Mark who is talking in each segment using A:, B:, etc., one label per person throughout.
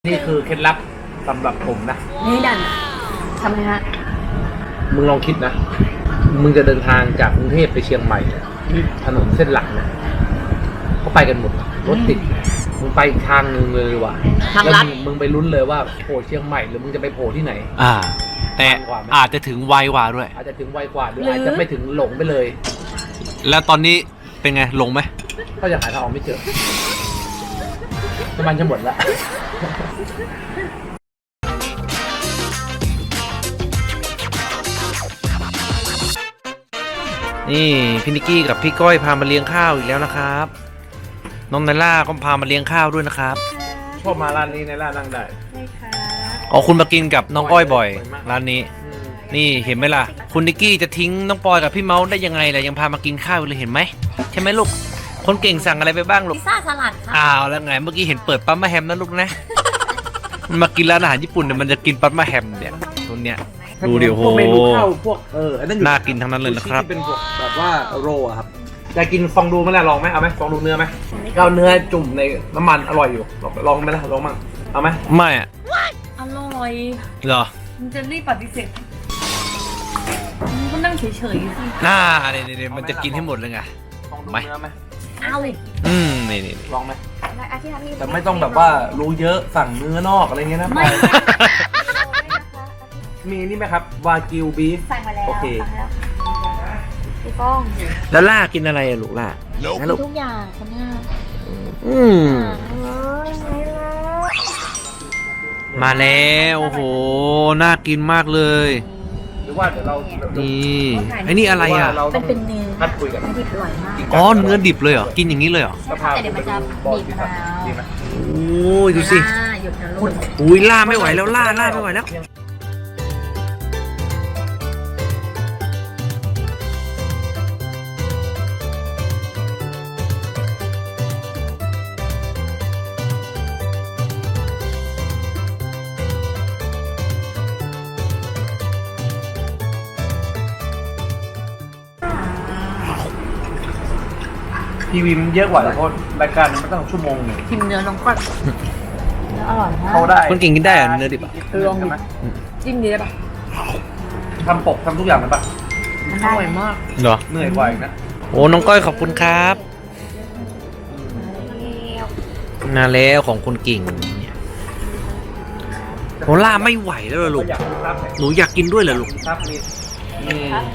A: นี่คือเคล็ดลับสำหรับผมนะ
B: นี่ดันทำไมฮะ
A: มึงลองคิดนะ มึงจะเดินทางจากกรุงเทพไปเชียงใหม่ถนนเส้นหลักนะเขาไปกันหมดรถติดมึงไปอีกทางนึงเลยว่ะ
B: ทางลัด
A: แล้วมึงไปลุ้นเลยว่าโผล่เชียงใหม่หรือมึงจะไปโผล่ที่ไหน
C: แต่อาจจะถึงไวกว่าด้วย
A: อาจจะถึงไวกว่าหรืออาจจะไม่ถึงหลงไปเลย
C: แล้วตอนนี้เป็นไงหลงไหม
A: ก็ยังหาทางออกไม่เจอน้ำมันจะหมดละ
C: นี่พี่นิกกี้กับพี่ก้อยพามาเลี้ยงข้าวอีกแล้วนะครับน้องไนล่าก็พามาเลี้ยงข้าวด้วยนะครับ
A: ชอบมาร้านนี้ในร้านนั่งได้
B: ใช่ค่ะ
C: อ๋อคุณมากินกับน้องก้อยบ่อย
A: บ่อยมาก
C: ร้านนี้ นี่เห็นไหมล่ะคุณนิกกี้จะทิ้งน้องปอยกับพี่เมาส์ได้ยังไงล่ะยังพามากินข้าวเลยเห็นไหมใช่ไหมลูกคนเก่งสั่งอะไรไปบ้างลูก
B: พิซซ่าสลัดค่ะ
C: อ้าวแล้วไงเมื่อกี้เห็นเปิดปั๊มมะแฮมนะลูกนะ มันมากินร้านอาหารญี่ปุ่นเนี่ยมันจะกินปั๊มมะแฮมเนี่ยตัวเนี้ยดูดิโอ้โห
A: พวกเมนูข้าวพวกอันนั้นอยู่
C: น่ากินทั้งนั้นเลยนะครับ
A: ที่เป็นพวกแบบว่าโรอะครับอยากกินฟองดูไหมล่ะลองไหมเอาไหมฟองดูเนื้อไหมก็เอาเนื้อจุ่มในน้ำมันอร่อยอยู่ลองไหมล่ะลองมั่งเอาไหม
C: ไม่อะ
B: อร่อย
C: เหรอ
B: มันจะรีบปฏิเสธมันก็นั่งเฉยๆสิ
C: เนี่ยมันจะกินให้หมดเลยไง
A: ฟองดู
C: ไม่
A: เนื้อไหม
B: เอาเลย
C: นี่
A: ลองไหม
B: อาทิตย์นี้
A: แต่ไม่ต้องแบบว่ารู้เยอะสั่งเนื้อนอกอะไรเงี้ยนะ
B: ไม่
A: มีนี่ไหมครับวากิวบีฟ
B: สั่งมาแล้ว
A: โอเค
B: สั่งแล้วพี่ก้อง
C: แล้วล่ากินอะไรอะลูกล่านะลูก
B: ทุกอย่างคนเนี้ย
C: อืมมาแล้วโอ้โหน่ากินมากเลย
A: หรือว่าเดี๋ยวเรา
C: นี่ไอ้นี่อะไรอ่ะ
A: เราต้อง
B: เป็นเนื้อ
A: นัดคุยกัน
B: ดิบอร่อยมาก
C: อ๋อเนื้อดิบเลยเหรอกินอย่างนี้เลยเหรอ
A: สภาพ
B: แต่เดี๋ยวมันจะบีบมะนาว
A: ดีไหม
C: โอ้ยดูสิ
B: หยุดนะลูก
C: อุ้ยล่าไม่ไหวแล้วล่าไม่ไหวแล้ว
A: ทีวีมันเยอะกว่าเพราะรายการมันต้องชั่วโมงหนึ่ง
B: ชิมเนื้อน้องก่อนเนื้ออร่อยมาก
A: เขาได้
C: คนเก่งกินได้เหรอเนื้อดิบอะ
B: ลองดิ จิ้มดีได้ปะ
A: ทำปกทำทุกอย่างเลยปะ
B: มันอร่อยมาก
C: เหรอ
A: เหนื่อยกว่าอีกนะ
C: โอ้น้องก้อยขอบคุณครับนาแล้วของคนเก่งเนี่ยโหล่าไม่ไหวแล้วเหรอลูก
A: อยากดูครับ
C: หนูอยากกินด้วยเหรอลูก
A: ครับมี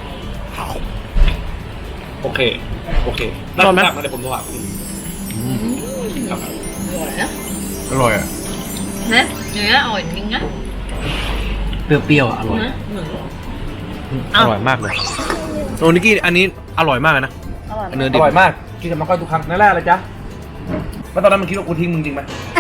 A: โอเคได้ไหมเดี๋ยวผมโทรหาคุณครับ
C: อร่อยอ่ะ
B: นะเนื้ออร่อยจริงนะ
C: เปรี้ยวๆอะอร่อยอร่อยมากเลยโอ้นิกกี้อันนี้อร่อยมากเลยนะ
B: อร่อย
C: เนื้อ
A: อ
C: ดิบ
A: ร่อยมากกินกับน้องก้อยทุกครั้งนั่นแหละอะไรจ๊ะแล้วตอนนั้นมันคิดว่ากูทิ้งมึงจริงไหม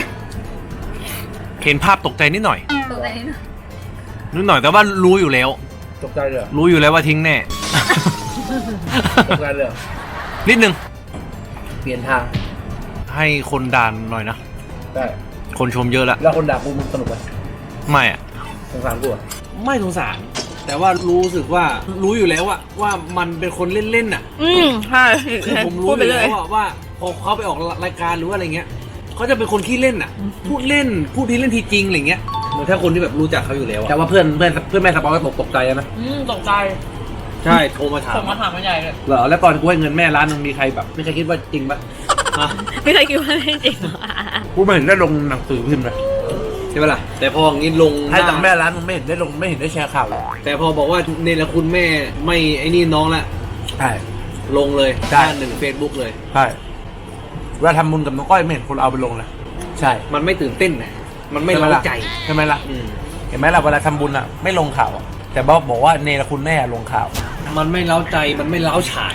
C: เห็นภาพตกใจนิดหน่อย
B: ตัวเองนะ
C: นิดหน่อยแต่ว่ารู้อยู่แล้ว
A: ตกใจเลยเหรอ
C: รู้อยู่แล้วว่าทิ้งแน่
A: ตกใจเลยเหรอ
C: นิดนึง
A: เปลี่ยนทาง
C: ให้คนด่านหน่อยนะ
A: ได้
C: คนชมเยอะละ
A: แล้วคนด่ากูมึงสนุกไหม
C: ไม่อะ
A: สงสารกูอ่ะ
C: ไม่สงสารแต่ว่ารู้สึกว่ารู้อยู่แล้วอะว่ามันเป็นคนเล่นๆอะ
B: ใช่
C: คือผมรู้อยู่แล้วว่าพอเขาไปออกรายการหรือว่าอะไรเงี้ยเขาจะเป็นคนขี้เล่นอะพูดเล่นพูดทีเล่นทีจริงอะไรเงี้ยเหมือนถ้าคนที่แบบรู้จักเขาอยู่แล้วอะ
A: แต่ว่าเพื่อนแม่สปอยก็ตกใจนะ
B: ตกใจ
C: ใช่โทรมาถาม
B: ส่งมาถามมาใหญ่เลย
A: เหรอแล้วตอนกูให้เงินแม่ร้านนึงมีใครแบบไม่เคยคิดว่าจริงปะ
C: ฮะ
B: ไม่เคยคิดว่าไม่จริง
A: กูไม่เห็นได้ลงหนังสือพิมพ์เลย
C: ใช่ไหมล่ะแต่พออย่างนี้ลง
A: ให้ตังค์แม่ร้านมึงไม่เห็นได้ลงไม่เห็นได้แชร์ข่าวเลย
C: แต่พอบอกว่าเนรคุณแม่ไม่ไอ้นี่น้องละ
A: ใช่
C: ลงเลย
A: ใช่
C: หน้าหนึ่งเฟซบุ๊กเลย
A: ใช่เวลาทำบุญกับน้องก้อยไม่เห็นคนเอาไปลงเลยใช่
C: มันไม่ตื่นเต้นนะมันไม่เร้าใจ
A: ใช่ไหมล่ะ
C: อืม
A: เห็นไหมล่ะเวลาทำบุญอ่ะไม่ลงข่าวอะแต่บอกว่าเนรคุณแม่ลงข่าว
C: มันไม่เล้าใจมันไม่เล้าฉาย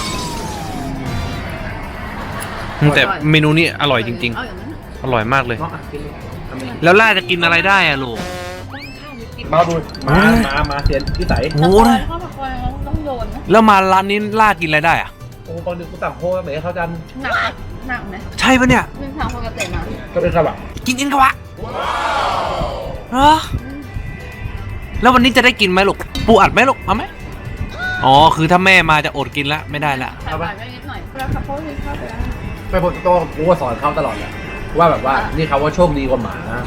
C: แต่เมนูนี้อร่อยจริง
B: เอาอย่างนั้น
C: ๆ อร่อยมากเลย
A: เนาะอ่ะกินเลยทำเอง
C: แล้วล่าจะกินอะไรได้อะลูก
A: มาดูมาเสียนที่ใส
C: โอ้ย
B: ข้าวผัดกอยเขาต้องโยนนะ
C: แล้วมาร้านนี้ล่ากินอะไรได้อะ
A: โอ้ตอนดึกกูสั่งโค้กเบ๋เขาจัน
B: หนักไหม
C: ใช่ปะเนี่ย
B: นึ่งทางปกตินะ
A: ก็เป็นครับอ่ะ
C: กินอินกะวะเหรอแล้ววันนี้จะได้กินไหมลูกปูอัดไหมลูกเอาไหมอ๋อคือถ้าแม่มาจะอดกินละไม่ได้ละ
B: ใส่หวานไว้นิดหน่อยแล้วเขาเขาเลยเข้าไปแล้ว
A: ไปบนโต๊ะกูก็สอนเขาตลอดแหละว่าแบบว่านี่เขาว่าโชคดีกว่าหมานะ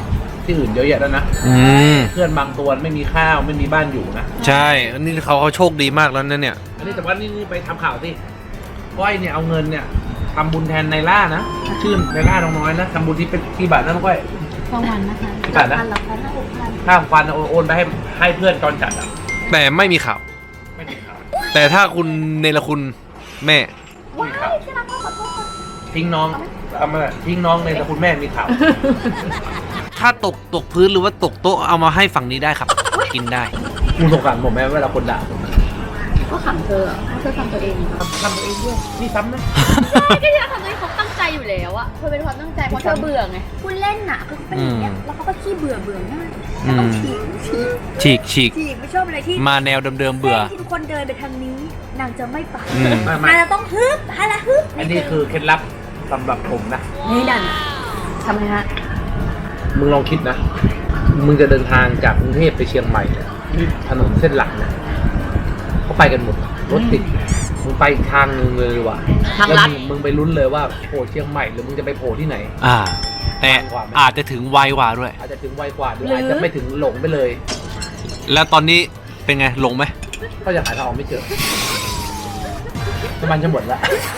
A: ที่อื่นเยอะแยะแล้วนะ เพื่อนบางตัวไม่มีข้าวไม่มีบ้านอยู่นะ
C: ใช่อันนี้เขาโชคดีมากแล้วนะเนี่ย
A: อันนี้แต่ว่านี่ไปทำข่าวสิก้อยเนี่ยเอาเงินเนี่ยทำบุญแทนนายล่านะชื่อในายล่าน้องน้อยนะทำบุญที่เป็นที่บาทนั่นก้อย
B: สองวันนะคะ
A: กี่บาทนะ
B: 5,000 6,000
A: ข้ามฟันโอนไปให้เพื่อนจอนจัดอ่ะ
C: แต่ไม่มีข่าว
A: ไม่มีข่าว
C: แต่ถ้าคุณเนรคุณแม่
A: ไม่มีข่าวทิ้งน้องเอามาทิ้งน้องในแต่คุณแม่มีข่าว
C: ถ้าตกพื้นหรือว่าตกโต๊ะเอามาให้ฝั่งนี้ได้ครับ กินได้
A: มึงสงสารผมไหมเวลาคนด่าผม
B: ก็ขำเธอเธอทำตัวเอง
A: ทำตัวเองด้วยนี่ซ้ำนะ
D: ก็ที่เราทำตัวเองเขาตั้งใจอยู่แล้วอะเธอเป็นความตั้งใจเพราะเธอเบื่อไง
B: คุณเล่นน่ะคือเป็นอย่างเงี้ยแล้วเขาก็ขี้เบื่อง่าย
C: อื
B: แล้ว
C: ม
B: ก็ฉีก
C: ฉีก
B: ไม่ชอบอะไรที่
C: มาแนวเดิมๆเบื่อ
B: ที่ทุกคนเดินไปทางนี้นางจะไม่ไป
C: อืม
A: ไม่
B: นางจะต้องฮึบอะไรฮึบ
A: อันนี้คือเคล็ดลับสำหรับผมนะ
B: นี่ดันทำไงฮะ
A: มึงลองคิดนะ มึงจะเดินทางจากกรุงเทพไปเชียงใหม่เนี่ยถนนเส้นหลักเนี่ยเขาไปกันหมดรถติดมึงไปอีกทางนึงเลยว่ะ
B: ทาง
A: แล้ว
B: ลัด
A: มึงไปลุ้นเลยว่าโผล่เชียงใหม่หรือมึงจะไปโผล่ที่ไหน
C: แต่อาจจะถึงไวกว่าด้วย
A: อาจจะถึงไวกว่าหรืออาจจะไม่ถึงหลงไปเลย
C: แล้วตอนนี้เป็นไงหลงไหม
A: ก็ยังหาทางออกไม่เจอน้ำมันจะหมดละ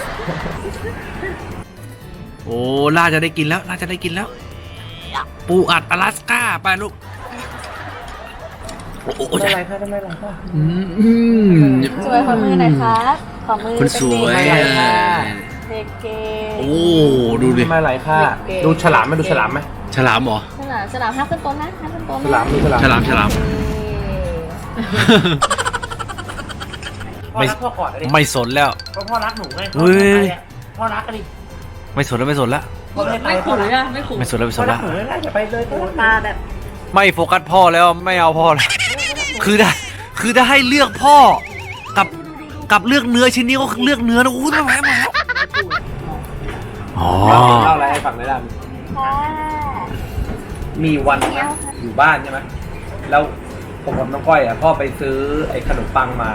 C: โอ้น่าจะได้กินแล้วน่าจะได้กินแล้ว ปูอัดอลาสก้าไปลูกโอ้โห
A: ทำไมไรค่ะทำไมไรค่ะ
D: สวยขอมือหน่อยครับขอมือ
C: คนสวย
A: ทำไมไรค่ะ
D: เด็กเก
C: โอ้ดูดิ
A: ทำไมไรค่ะดูฉลามไหมดูฉลามไหม
C: ฉลามเหรอ
D: สนามห้าขึ้นต้นนะห้าขึ้นต้น
A: ฉลามดูฉลาม
C: ฉลาม
A: พ่อรักพ่อกอดอะไร
C: ไม่สนแล้ว
A: พ่อรักหนูไง
C: เฮ้ย
A: พ่อรักกันดิ
C: ไม่สนแล้วไม่สนแล้ว
A: พ่อไม่ไป
D: ไม่ขู่อะไม่ขู่
C: ไม่สนแล้วไม่ส
A: พ่อน รั
C: แล้
A: ก
C: ว
A: หนูไม่ได้อย่าไปเลย
B: โอ้ตาแบบ
C: ไม่โฟกัสพ่อแล้วไม่เอาพ่อแล้วคือถ้าให้เลือกพ่อกับเลือกเนื้อชิ้นนี้ก็เลือกเนื้อนะอู้ทำไมมาแล้วอ๋อ
A: เล่าอะไรให้ฟังได้ล่ะ
B: ค่ะ
A: มีวันนะอยู่บ้านใช่ไหมแล้วผมกับน้องก้อยอ่ะพ่อไปซื้อไอ้ขนมปังมา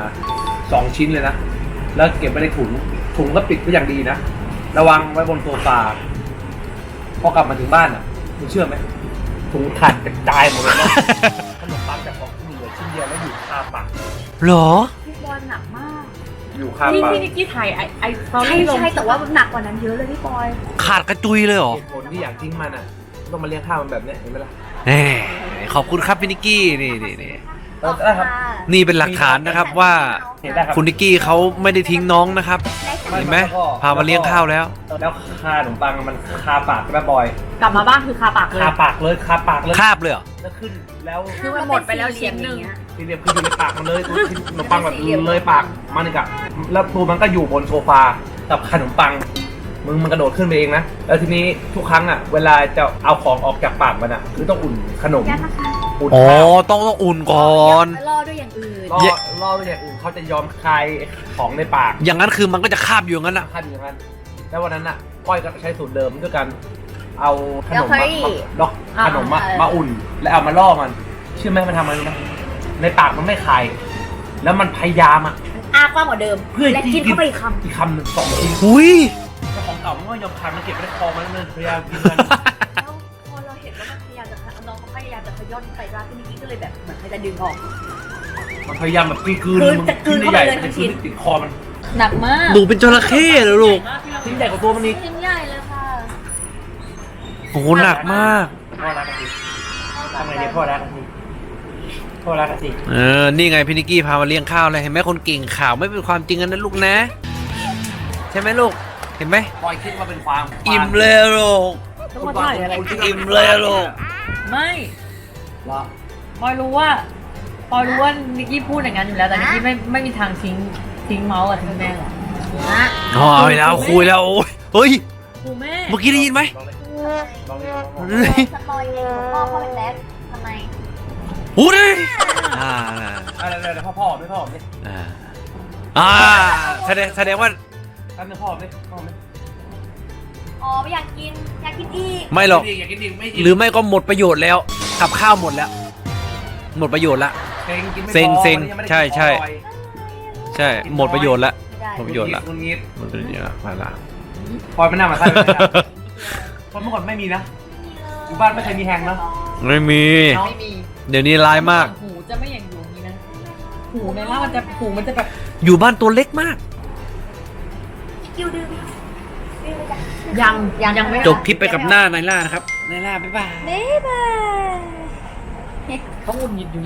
A: 2 ชิ้นเลยนะแล้วเก็บไว้ในถุงก็ปิดก็อย่างดีนะระวังไว้บนโซฟาพอกลับมาถึงบ้านอ่ะคุณเชื่อไหมถุงขาดกระจายหมดเลยนะ ขนมปังจากของเหลือชิ้นเดียวแล้วอยู่คาปาก
C: เหรอ
B: พี่บอลหนักมาก
A: อยู่คา
D: พี่
A: ปาก
D: นิกกี้ถ่ายไอตอน
B: ใช่
D: ที่ลง
B: ใช่แต่ว่ามันหนักกว่านั้นเยอะเลยพี่บอย
C: ขาดกระจุยเลยเหรอ
A: เหตุผลที่อยากทิ้งมันอ่ะต้องมาเลี้ยงข้าวมันแบบเนี้ยเห็นไหมล่ะ
C: แหมขอบคุณครับพี่นิกกี้นี่
A: ได้ครับ
C: นี่เป็นหลักฐานนะครับว่า
A: เห็นได้ครับ
C: คุณนิกกี้เขาไม่ได้ทิ้งน้องนะครับ เห็นไหมพามาเลี้ยงข้าวแล้ว
A: แล้วคาขนมปังมันคาปากใช่ไหมบอย
D: กลับมาบ้านคือคาปากเลย
A: คาปากเลยคาปากเลย
C: คาบเลยเหรอ
A: แล้วขึ้นแล้ว
D: คือมันหมดไปแล้วชิ้นหนึ่ง
A: สี่เหลี่ยมคืออยู่ในปากมันเลยตัวขนมปังแบบเลยปากมันอีกอะแล้วตัวมันก็อยู่บนโซฟากับขนมปังมันกระโดดขึ้นไปเองนะแล้วทีนี้ทุกครั้งอะเวลาจะเอาของออกจากปากมันอะคือต้องอุ่นขนม
B: ยัดนะคะ
A: อุ่น
C: อ๋อ
A: ข้าว
C: ต้องอุ่นก่อน
B: ล่อด้วยอย่างอื่น
A: ล่อด้วยอย่างอื่นเขาจะยอมคายของในปาก
C: อย่างนั้นคือมันก็จะคาบอยู่อย่างนั้นอ่ะ
A: ขั้นอย่างนั้นแล้ววันนั้นอะก้อยก็ใช้สูตรเดิมด้วยกันเอาขนมดอกขนมมาอุ่น แล้วเอามาล่อมันเชื่อไหมมันทำอะไรรู้ไหมในปากมันไม่คายแล้วมันพยายามอะ
B: อ้ากว้างกว่าเดิม
A: เพื่อ
B: และกินเข้าไปอีกคำ
A: อีกคำหนึ่ง2 ชิ้น
C: หุย
A: เจ้าของเก่ามันก็ยอมคายมันเก็บไว้ในคอมันเลยพยายามกินมัน
B: แล้วพอเราเห็นว่ามันพยายามจะน้องเขาพยายามจะขย้อนไปว่าพี่นิกกี้ก็เลยแบบเหมือนเขาจะดึงออก
A: มันพยายามแบบกลืน
B: คือจะกลืนเข้าไปเลย
A: มัน
B: ทั้
A: จะ
B: ง
A: ก
B: ชิ้
A: ลืน
B: น
A: ติดคอมัน
D: หนักมาก
C: หนูเป็นจระเข้เหรอลูก
A: ชิ้นใหญ่กว่าตัวมันอีก
B: ชิ้นใหญ่เลยค่ะ
C: โอ้โหหนักมาก
A: พ่อรักกันสิทำไงดีพ่อรักกันสิพ่อรักกันสิ
C: นี่ไงพี่นิกกี้พามาเลี้ยงข้าวเลยเห็นไหมคนเก่งข่าวไม่เป็นความจริงกันนะลูกนะ ใช่ไหมลูก เห็นไหม
A: ปล่อยคิดว่าเป็นความ
C: อิ่มเลยลูก
D: ต้องมาถ่ายอะไร
C: อิ่มเลยลูก
D: ไม่
A: ว่า
D: ปอยรู้ว่านิกกี้พูดอย่างนั้นอยู่แล้วแต่นิกกี้ไม่มีทางทิ้งเมาส์กับทิ้งแม่หรอกนะ
C: อ๋อไปแล้วคุยแล้วโอ้ยเฮ้ย
D: ครูแม่
C: เมื่อกี้ได้ยินไหม
A: ลองเลย
B: สปอยเลยพ่อเป็นแรปทำไม
C: หูดิอ่า
A: อะไรพ่อไม่พ่อไม่
C: อ่าแสดงว่า
A: ตั้งแต่พ่อไม่พ่อไม่
B: อ๋อไม่อยากกินอีก
C: ไม่หรอก
A: อยากกินดิไม่
C: หรือไม่ก็หมดประโยชน์แล้วกับข้าวหมดแล้ว หมดประโยชน์ละ เซ็งใช่ ใช่หมดประโยชน์ละ
B: ไม่ได้
C: หมดประโยชน์ละ
A: คุณงี้
C: หมดประโยชน์ละมาละ
A: พอยมันน่ามาใส่พอยเมื่อก่อนไม่มีนะอยู่บ้านไม่เคยมีแฮงเนาะ
C: ไม่มี
D: ไม่มี
C: เดี๋ยวนี้ร้ายมาก
D: หูจะไม่อย่างอยู่นี้นะหูในล่ามันจะหูมันจะแบบ
C: อยู่บ้านตัวเล็กมาก
B: คิวดื้อดื้อจ้ะ
D: ยังไม่
C: จบคลิปไปกับหน้าไนล่านะครับไนล่าบ๊ายบาย
B: บ๊ายบาย
D: เขาหงุดหงิดอยู่